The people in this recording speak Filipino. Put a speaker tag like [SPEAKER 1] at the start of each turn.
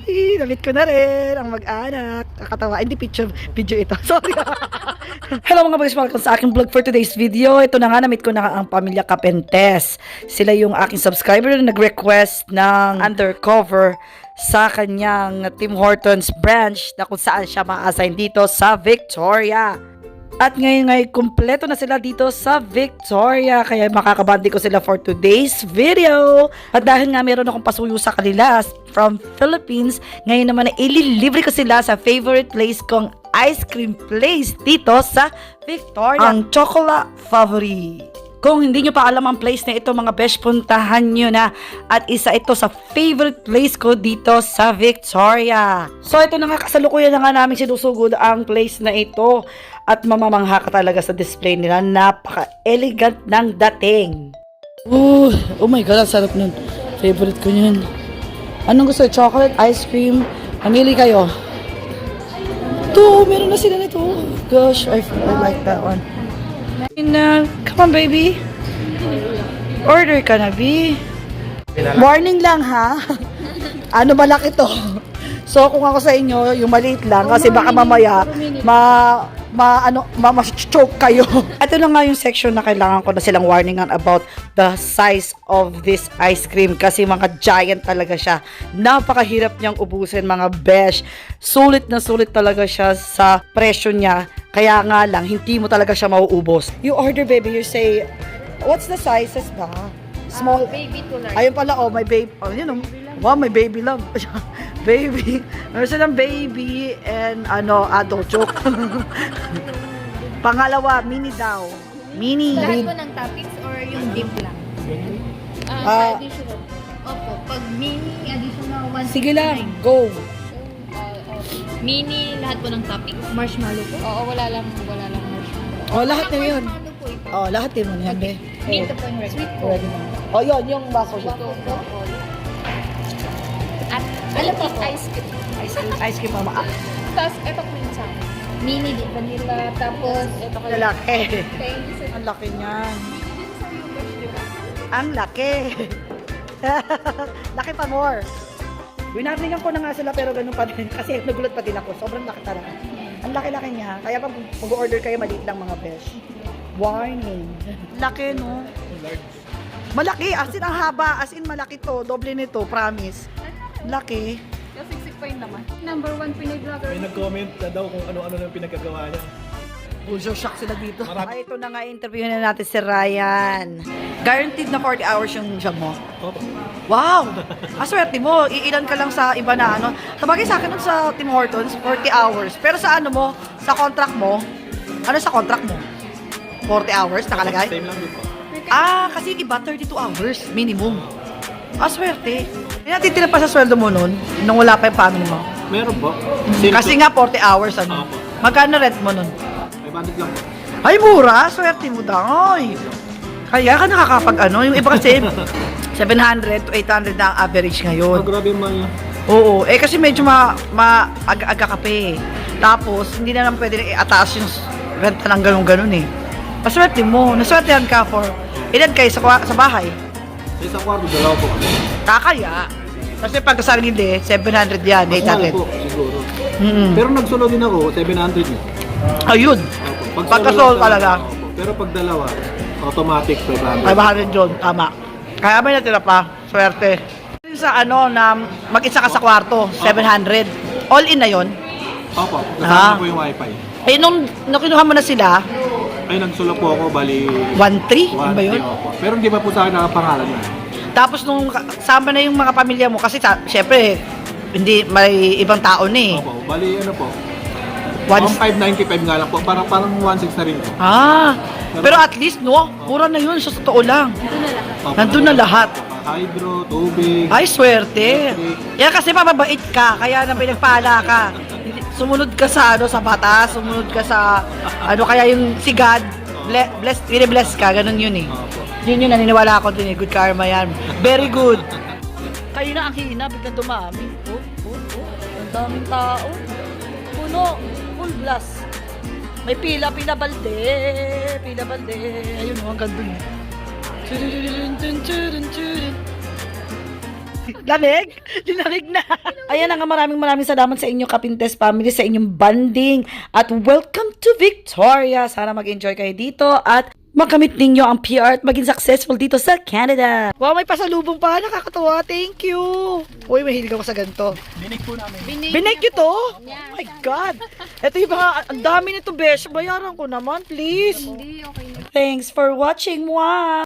[SPEAKER 1] Namit ko na rin ang mag-anak. Kakatawa. Hindi video ito. Sorry. Hello mga bags, welcome sa aking vlog for today's video. Ito na nga, namit ko na ang pamilya Capentes. Sila yung aking subscriber na nag-request ng undercover sa kanyang Tim Hortons branch na kung saan siya ma-assign dito sa Victoria. At ngayon kumpleto na sila dito sa Victoria. Kaya makakabandi ko sila for today's video. At dahil nga meron akong pasuyo sa kanila from Philippines, ngayon naman ay ililibre ko sila sa favorite place kong ice cream place dito sa Victoria. Ang Chocolate Favori. Kung hindi nyo pa alam ang place na ito, mga besh, puntahan nyo na. At isa ito sa favorite place ko dito sa Victoria. So ito na nga, kasalukuyan na nga namin sinusugod ang place na ito. At mamamangha ka talaga sa display nila. Napaka-elegant ng dating. Oh my God, ang sarap nun. Favorite ko yun. Anong gusto? Chocolate, ice cream? Mamili kayo. Ito, meron na sila nito. Gosh, I like that one. Come on, baby. Order ka na, B. Warning lang, ha? Ano malaki to? So, kung ako sa inyo, yung maliit lang, kasi baka mamaya, ma-choke kayo. Ito na nga yung section na kailangan ko na silang warningan about the size of this ice cream kasi mga giant talaga siya. Napakahirap niyang ubusin, mga besh. Sulit na sulit talaga siya sa presyo niya. Kaya nga lang, hindi mo talaga siya mauubos. You order, baby, you say, what's the sizes ba? Small?
[SPEAKER 2] Baby to large.
[SPEAKER 1] Ayun pala, oh, my baby. Oh, yun, wow, my baby love. Baby. Meron silang baby and adult joke. Pangalawa, mini daw. Mini.
[SPEAKER 2] Lahat po ng toppings or yung dip lang? Additional. Opo. Pag mini, additional 169.
[SPEAKER 1] Sige lang, go.
[SPEAKER 2] Mini, lahat po ng toppings. Marshmallow po? Oo, wala lang marshmallow.
[SPEAKER 1] Oh, lahat na yun.
[SPEAKER 2] Marshmallow po ito.
[SPEAKER 1] Oh, lahat din mo na yan, be.
[SPEAKER 2] Dito po yung sweet po.
[SPEAKER 1] Oh, yun, yung baso siya.
[SPEAKER 2] At ano po? Ice cream.
[SPEAKER 1] Ice cream, mama.
[SPEAKER 2] Tapos, ito po yung sa mini din, vanilla. Tapos, ito ko.
[SPEAKER 1] Lalaki.
[SPEAKER 2] Thank you, sir.
[SPEAKER 1] Ang laki niyan. Ang laki. Laki pa more. Winarningan ko na nga sila pero ganun pa din. Kasi nagulat pa din ako. Sobrang laki talaga. Ang laki-laki niya. Kaya pag mag-order kayo, maliit lang mga besh. Warning. Laki, no? Malaki. As in, ang haba. As in, malaki to. Doble nito. Promise. Laki.
[SPEAKER 2] Siksik pa yung naman. Number 1 Pinoy vlogger.
[SPEAKER 3] May nag-comment na daw kung ano-ano na pinagkagawa niya.
[SPEAKER 1] Bulso shock sila dito.
[SPEAKER 3] Marami.
[SPEAKER 1] Ay, ito na nga, interview na natin si Ryan. Guaranteed na 40 hours yung job mo.
[SPEAKER 3] Opo.
[SPEAKER 1] Wow! Aswerte mo, iilan ka lang sa iba na ano. Sabagay sa akin nun sa Tim Hortons, 40 hours. Pero sa ano mo, sa contract mo, ano sa contract mo? 40 hours nakalagay?
[SPEAKER 3] Same lang din po.
[SPEAKER 1] Kasi iba 32 hours minimum. Aswerte. Hindi natitira pa sa sweldo mo nun, nung wala pa yung family mo.
[SPEAKER 3] Meron po.
[SPEAKER 1] Kasi nga 40 hours ano.
[SPEAKER 3] Opo.
[SPEAKER 1] Magkano rent mo nun?
[SPEAKER 3] 500 lang po.
[SPEAKER 1] Ay, mura! Swerte mo daw. Ay. Kaya ka nakakapag ano. Yung iba kasi 700 to 800 na ang average ngayon.
[SPEAKER 3] Grabe yung mga
[SPEAKER 1] Oo. Kasi medyo aga-aga ka pa eh. Tapos, hindi na naman pwede i-ataas yung renta ng ganun-ganun eh. Paswerte mo. Naswertehan ka for ilan kayo sa bahay?
[SPEAKER 3] sa isang kwarto, dalawa po kami.
[SPEAKER 1] Kakaya. Kasi pag sarili, 700 yan,
[SPEAKER 3] Mas mahal
[SPEAKER 1] 800.
[SPEAKER 3] po, siguro.
[SPEAKER 1] Mm-mm.
[SPEAKER 3] Pero nagsunod din ako, 700 eh.
[SPEAKER 1] Ayun.
[SPEAKER 3] Opo.
[SPEAKER 1] Pagka-sold
[SPEAKER 3] solo lang
[SPEAKER 1] talaga.
[SPEAKER 3] Opo. Pero pag dalawa, automatic 500.
[SPEAKER 1] 500 yun, tama. Kaya may natira pa, swerte. Sa na mag-isa ka sa kwarto, 700. All in na yon.
[SPEAKER 3] Opo,
[SPEAKER 1] Ah.
[SPEAKER 3] kasama po yung wifi.
[SPEAKER 1] Eh, nung kinuha mo na sila,
[SPEAKER 3] Ay, nagsulat po ako, bali...
[SPEAKER 1] 1-3, ano ba yun?
[SPEAKER 3] Opo. Pero hindi pa po sa akin nakapangalan na.
[SPEAKER 1] Tapos nung kasama na yung mga pamilya mo, kasi syempre, hindi, may ibang tao na eh.
[SPEAKER 3] Opo, bali ano po.
[SPEAKER 1] One-
[SPEAKER 3] 1,595 nga lang po, parang 1,600 na rin po.
[SPEAKER 1] Pero at least, no, mura na yun, sa totoo lang.
[SPEAKER 3] Opo,
[SPEAKER 1] Nandun na lahat.
[SPEAKER 3] Hydro, tubig.
[SPEAKER 1] Ay, swerte. Yan kasi mababait ka, kaya na pinagpala ka. Sumunod ka sa sa batas, sumunod ka sa kaya yung si God, bless ka, ganun yun eh.
[SPEAKER 3] Opo.
[SPEAKER 1] Yun naniniwala ako din eh, good karma yan. Very good. Kayo na ang hina, biglang dumami. Ang daming tao. Puno, full blast. May pila balde. Ayun, ang ganda. Lamig? Linamig na. Ayan na nga, maraming salamat sa inyo, Kapintes family, sa inyong banding. At welcome to Victoria. Sana mag-enjoy kayo dito at makamit ninyo ang PR at maging successful dito sa Canada. Wow, may pasalubong pa. Nakakatawa. Thank you. Uy, mahilig ako sa ganito.
[SPEAKER 3] Dinig po namin.
[SPEAKER 1] Binake nyo to? Oh my God. Ito yung mga, ang dami nito, besh. Bayaran ko naman, please.
[SPEAKER 2] Hindi, okay.
[SPEAKER 1] Thanks for watching. Wow.